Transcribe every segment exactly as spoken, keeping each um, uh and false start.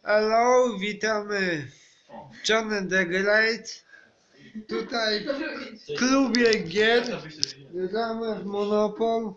Hello, witamy w John the Great. Tutaj w klubie gier gramy w Monopol.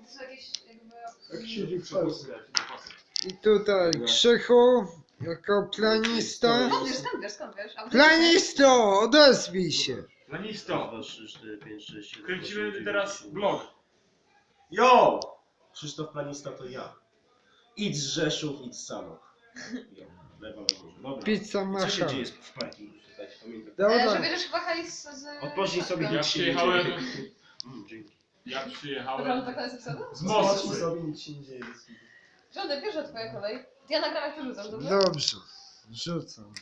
I tutaj Krzychu jako planista. Skąd wiesz, skąd wiesz, skąd wiesz? A bo ty- Planisto, odezwij się. Planisto! dwa, trzy, cztery, pięć, sześć, siedem, Kręcimy osiem, teraz dziewięć, vlog. Jo! Krzysztof Planista to ja. Idź z Rzeszów, idź z Sanok. Jo, lewa na górze. Dobra. Pizza Co się masza. dzieje w parkingu? Dajcie pamiętać. E, że Dobra. bierzesz chyba hajs z... Odpocznij sobie, Ja nic się nie dzieje. przyjechałem, Mm, dzięki. ja Dobra, przyjechałem tak to jest epizoda? z Odpocznij Moskwy. sobie, nic się nie dzieje. Żądę, bierze twoja kolej. Ja nagram jak ty rzucasz, dobrze? Dobrze, rzucam.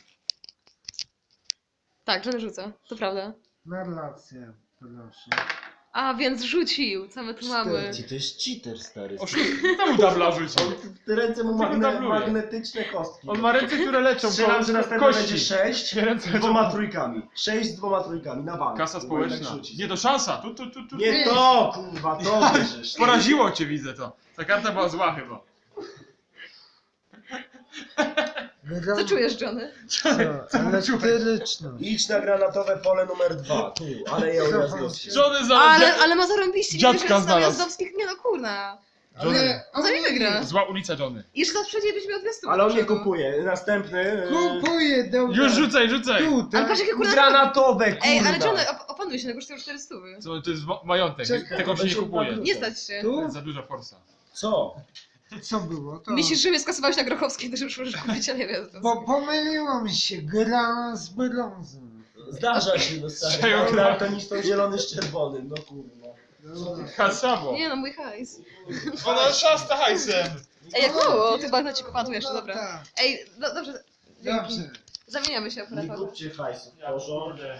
Tak, Żony rzuca, to prawda. Narrację, proszę. A, więc rzucił, co my tu mamy? To jest cheater, stary. Temu tabla rzucił. Te ręce mu Tylko magne, tabluje. magnetyczne kostki. On ma ręce, które leczą Strzelam, że następne będzie kości. sześć Ręce z dwoma trójkami. sześć z dwoma trójkami, na bank. Kasa Próbuję tak społeczna. rzucić. Nie, to szansa. Tu, tu, tu, tu. Nie to, kurwa, to bierzesz. Poraziło cię, widzę to. Ta karta była zła chyba. Gram... Co czujesz, Johnny? Co? Elektryczność. Idź na granatowe pole numer dwa. Tu, ale ja ujazdowskie. Żony za... Ale, ale ma zarąbiście, nie Dziadka wiesz, że jest znalazł. Jazdowskich, nie no kurna. Johnny. On za nim wygra. Zła ulica Johnny. I jeszcze teraz przejdzie byśmy od dwustu. Ale on nie kupuje. Następny. e, Kupuję, dobra. Już rzucaj, rzucaj. Ale Tutaj. patrz jakie kurna... Granatowe, kurwa. Ej, ale Johnny, op opanuj się, no kosztuje czterysta. Co, to jest ma- majątek, Czekaj, tego się nie kupuje. Nie stać się. To Tu? jest za duża forsa. Co? Co było? To... Myślisz, że mnie skasowałeś na Grochowskiej, to już możesz kupić, ale nie wiem. Bo pomyliło mi się, gra z brązem. Zdarza się, no stary. Strzelają No, gra- daltonistą zielony z czerwonym, no kurwa. Dobra. Hasamo. Nie no, mój hajs. Ona szasta hajsem. Ej, jak mało, ty bagnacik opadł jeszcze, No dobra. tak. Ej, no dobrze, dzięki. Dobrze. Zamieniamy się Nie operatorem. kupcie hajsu, w porządku.